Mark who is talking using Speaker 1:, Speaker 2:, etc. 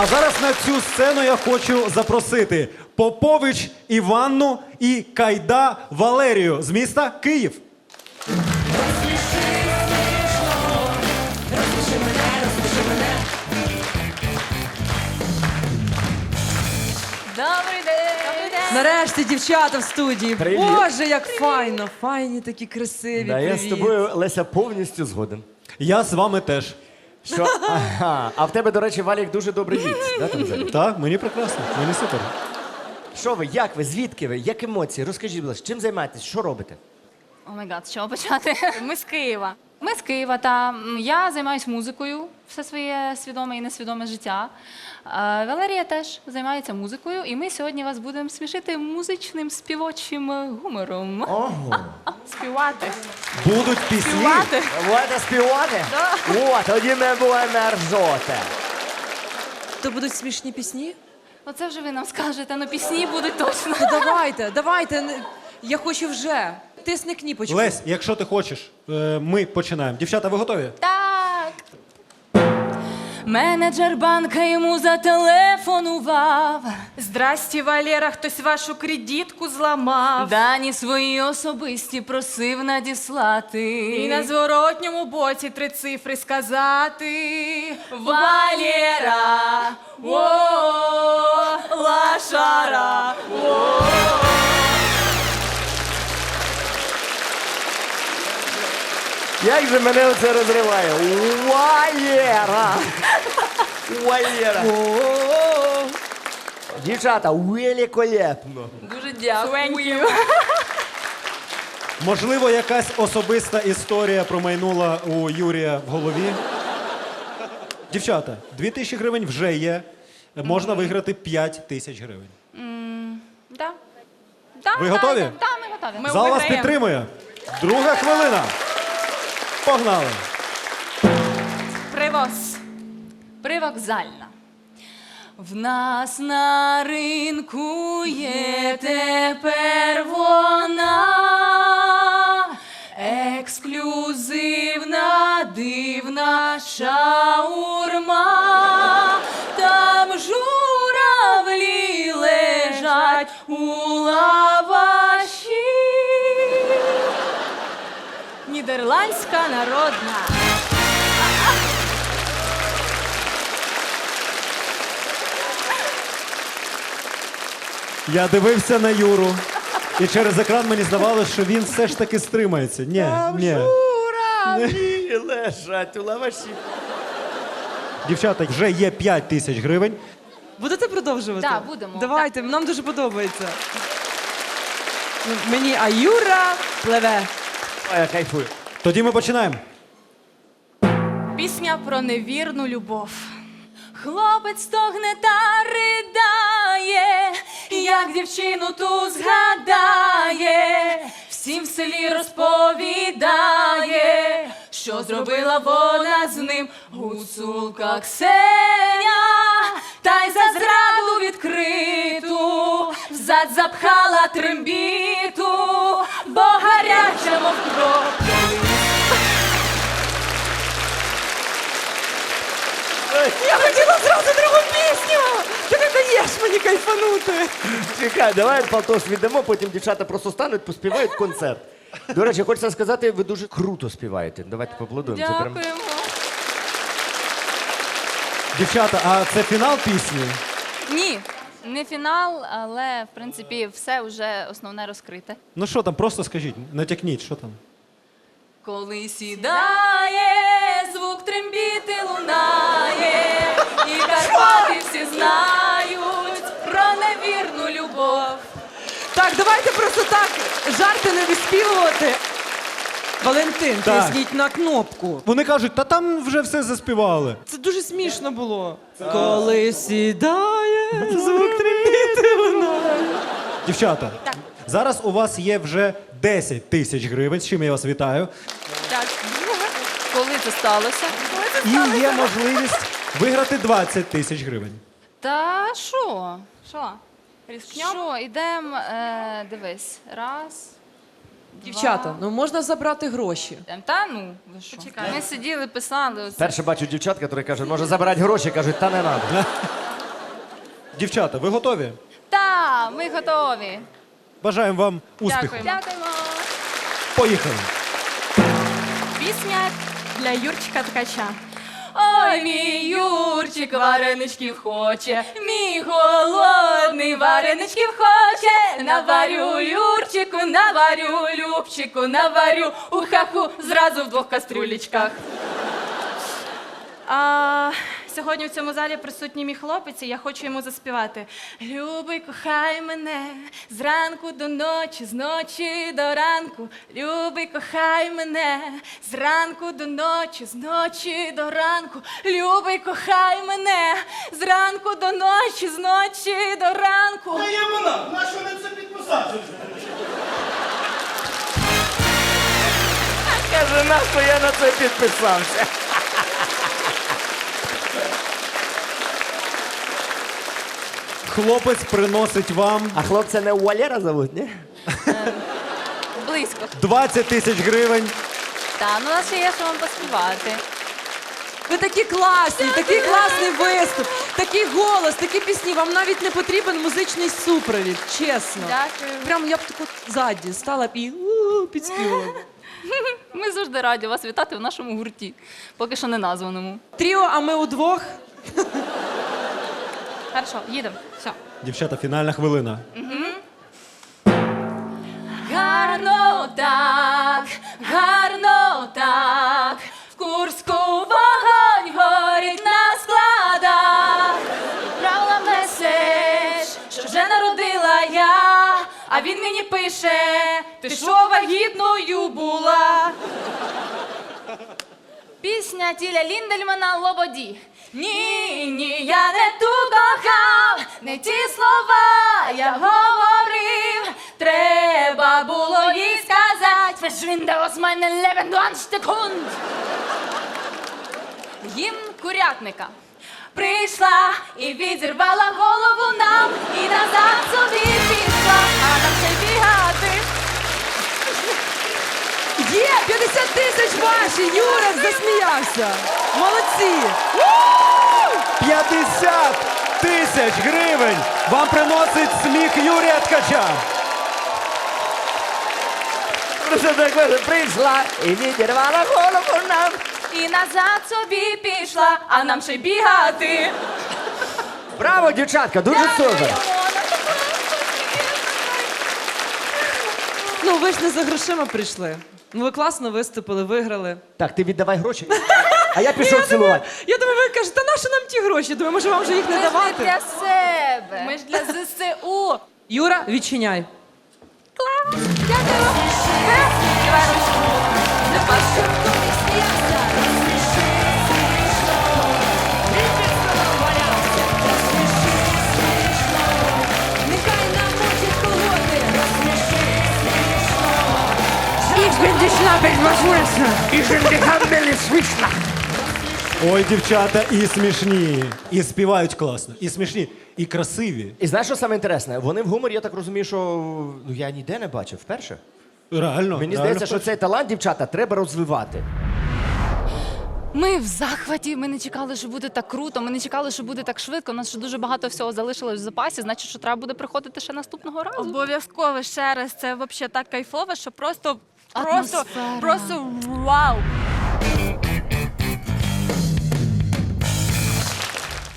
Speaker 1: А зараз на цю сцену я хочу запросити Попович Іванну і Кайда Валерію з міста Київ.
Speaker 2: Добрий день!
Speaker 3: Нарешті дівчата в студії.
Speaker 4: Привіт.
Speaker 3: Боже, як файно. Файні такі красиві.
Speaker 4: Да, я з
Speaker 3: Привіт.
Speaker 4: тобою, Леся, повністю згоден.
Speaker 1: Я з вами теж.
Speaker 4: Що? Ага. А в тебе, до речі, Валік, дуже добрий віць. Да, там взагалі?
Speaker 1: Так, мені прекрасно, мені супер.
Speaker 4: Що ви, як ви, звідки ви, як емоції? Розкажіть, будь ласка, чим займаєтесь, що робите?
Speaker 2: О май гад, з чого почати? Ми з Києва. Ми з Києва, та я займаюся музикою все своє свідоме і несвідоме життя. Валерія теж займається музикою, і ми сьогодні вас будемо смішити музичним співочим гумором.
Speaker 4: Ого.
Speaker 2: Співати.
Speaker 1: Будуть пісні.
Speaker 2: Співати.
Speaker 4: Будете співати? О, тоді ми будемо ржоти.
Speaker 3: То будуть смішні пісні?
Speaker 2: Оце вже ви нам скажете, ну пісні будуть точно.
Speaker 3: Ну давайте. Я хочу вже. Тисни кніпочку.
Speaker 1: Лесь, якщо ти хочеш, ми починаємо. Дівчата, ви готові?
Speaker 2: Так. Менеджер банка йому зателефонував.
Speaker 5: Здрасте, Валера, хтось вашу кредитку зламав.
Speaker 2: Дані свої особисті просив надіслати.
Speaker 5: І на зворотньому боці 3 цифри сказати.
Speaker 2: Валера, о, лашара, о.
Speaker 4: Як же мене оце розриває? Валера! Валера! Дівчата, великолепно.
Speaker 2: Дуже дякую.
Speaker 1: Можливо, якась особиста історія промайнула у Юрія в голові. Дівчата, 2000 гривень вже є. Можна виграти 5000 гривень.
Speaker 2: Да.
Speaker 1: Ви готові?
Speaker 2: Так, ми готові.
Speaker 5: Ми
Speaker 1: Зал вас
Speaker 5: виграємо.
Speaker 1: підтримує. Друга хвилина. Погнали.
Speaker 5: Привоз.
Speaker 2: Привокзальна. В нас на ринку є тепер вона, ексклюзивна, дивна шаурма. Там журавлі лежать у лаваші. Нідерландська народна.
Speaker 1: Я дивився на Юру, і через екран мені здавалося, що він все ж таки стримається. Ні.
Speaker 4: Журавлі лежать у лаваші.
Speaker 1: Дівчата, вже є 5000 гривень.
Speaker 3: Будете продовжувати?
Speaker 2: Так, будемо.
Speaker 3: Давайте, нам дуже подобається. Ну, мені Аюра пливе.
Speaker 4: Ой, я кайфую.
Speaker 1: Тоді ми починаємо.
Speaker 5: Пісня про невірну любов.
Speaker 2: Хлопець стогне та ридає, як дівчину ту згадає, всім в селі розповідає, що зробила вона з ним гуцулка Ксеня, та й за зраду відкриту взад запхала трембіту, бо гаряча мов кров.
Speaker 3: Я хотіла зразу другу пісню! Ти не даєш мені кайфанути.
Speaker 4: Чекай, давай Палтош віддамо, потім дівчата просто стануть, поспівають концерт. До речі, хочеться сказати, ви дуже круто співаєте. Давайте поаплодуємо. Це прям...
Speaker 2: Дякуємо.
Speaker 1: Дівчата, а це фінал пісні?
Speaker 2: Ні, не фінал, але в принципі все вже основне розкрите.
Speaker 1: Ну що там, просто скажіть, натякніть, що там?
Speaker 2: Коли сідає, звук трембіти лунає, і Карпати всі знають про невірну любов.
Speaker 3: Так, давайте просто так жарти не виспівувати. Валентин,
Speaker 1: Так.
Speaker 3: тисніть на кнопку.
Speaker 1: Вони кажуть, та там вже все заспівали.
Speaker 3: Це дуже смішно було. Коли сідає, звук трембіти лунає.
Speaker 1: Дівчата, зараз у вас є вже 10 000 гривень, з чим я вас вітаю.
Speaker 2: Так, коли це сталося?
Speaker 1: І є можливість виграти 20 000 гривень.
Speaker 2: Та що?
Speaker 5: Що? Різкньом?
Speaker 2: Що, ідемо, дивись, раз,
Speaker 3: Дівчата, ну можна забрати гроші.
Speaker 2: Та ну, ви що? Ми сиділи, писали. Оце.
Speaker 4: Перше бачу дівчат, які кажуть, може забирати гроші, кажуть, та не треба.
Speaker 1: Дівчата, ви готові?
Speaker 2: Та, ми готові.
Speaker 1: Бажаємо вам успіху.
Speaker 5: Дякую.
Speaker 2: Дякуємо.
Speaker 1: Поїхали.
Speaker 5: Пісня для Юрчика Ткача.
Speaker 2: Ой, мій Юрчик вареничків хоче, мій голодний вареничків хоче. Наварю Юрчику, наварю Любчику, наварю у хаху зразу в 2 кастрюлечках.
Speaker 5: Сьогодні в цьому залі присутній мій хлопець, і я хочу йому заспівати. Любий, кохай мене зранку до ночі, з ночі до ранку. Любий, кохай мене зранку до ночі, з ночі до ранку. Любий, кохай мене зранку до ночі, з ночі до ранку.
Speaker 6: Та є вона, на що не це підписати?
Speaker 4: Каже, нащо я на це підписався?
Speaker 1: Хлопець приносить вам
Speaker 4: А хлопця не Валера зовуть, ні?
Speaker 2: Близько.
Speaker 1: 20 тисяч гривень.
Speaker 2: Та, ну у нас ще є, що вам поспівати.
Speaker 3: Ви такі класні, такий класний виступ, такий голос, такі пісні. Вам навіть не потрібен музичний супровід, чесно.
Speaker 2: Дякую.
Speaker 3: Прям я б таку ззаді стала б і підспівала.
Speaker 2: Ми завжди раді вас вітати в нашому гурті, поки що не названому.
Speaker 3: Тріо, а ми удвох.
Speaker 2: Хорошо, їдемо. Все.
Speaker 1: Дівчата, фінальна хвилина.
Speaker 2: Гарно так, в Курську вогонь горить на складах. Правила меседж, що вже народила я, а він мені пише, ти що вагітною була? Пісня Тіля Ліндельмана «Лободі». Ні, я не ту кохав, не ті слова я говорив. Треба було їй сказати «Verschwinde aus meinem Leben, du Ansteckhund». Гімн курятника. Прийшла і відірвала голову нам, і назад собі пішла, а нам ще бігати.
Speaker 3: Є, 50 тисяч ваші, Юрик засміявся. Молодці.
Speaker 1: 50 тисяч гривень вам приносить сміх Юрія Ткача.
Speaker 4: Просто так каже, прийшла і відірвала голову нам.
Speaker 2: І назад собі пішла, а нам ще бігати.
Speaker 4: Браво, дівчатка, дуже супер.
Speaker 3: Ну, ви ж не за грошима прийшли. Ну, ви класно виступили, виграли.
Speaker 4: Так, ти віддавай гроші, а я пішов цілувати.
Speaker 3: Я думаю, ви кажете, та нащо нам ті гроші? Думаю, може вам вже їх не
Speaker 2: Ми ж не
Speaker 3: давати?
Speaker 2: для себе.
Speaker 5: Ми ж для ЗСУ.
Speaker 3: Юра, відчиняй.
Speaker 2: Дякую. Давай ручку.
Speaker 7: Нехай намочить колоти.
Speaker 1: Ой, дівчата, і смішні, і співають класно, і смішні, і красиві.
Speaker 4: І знаєш, що саме інтересне? Вони в гуморі, я так розумію, що ну, я ніде не бачив вперше.
Speaker 1: Реально.
Speaker 4: Мені
Speaker 1: реально
Speaker 4: здається, що
Speaker 1: вперше.
Speaker 4: цей талант, дівчата, треба розвивати.
Speaker 2: Ми в захваті, ми не чекали, що буде так круто, ми не чекали, що буде так швидко. У нас ще дуже багато всього залишилось в запасі, значить, що треба буде приходити ще наступного разу.
Speaker 5: Обов'язково ще раз. Це взагалі так кайфово, що просто
Speaker 2: Атмосфера.
Speaker 5: вау.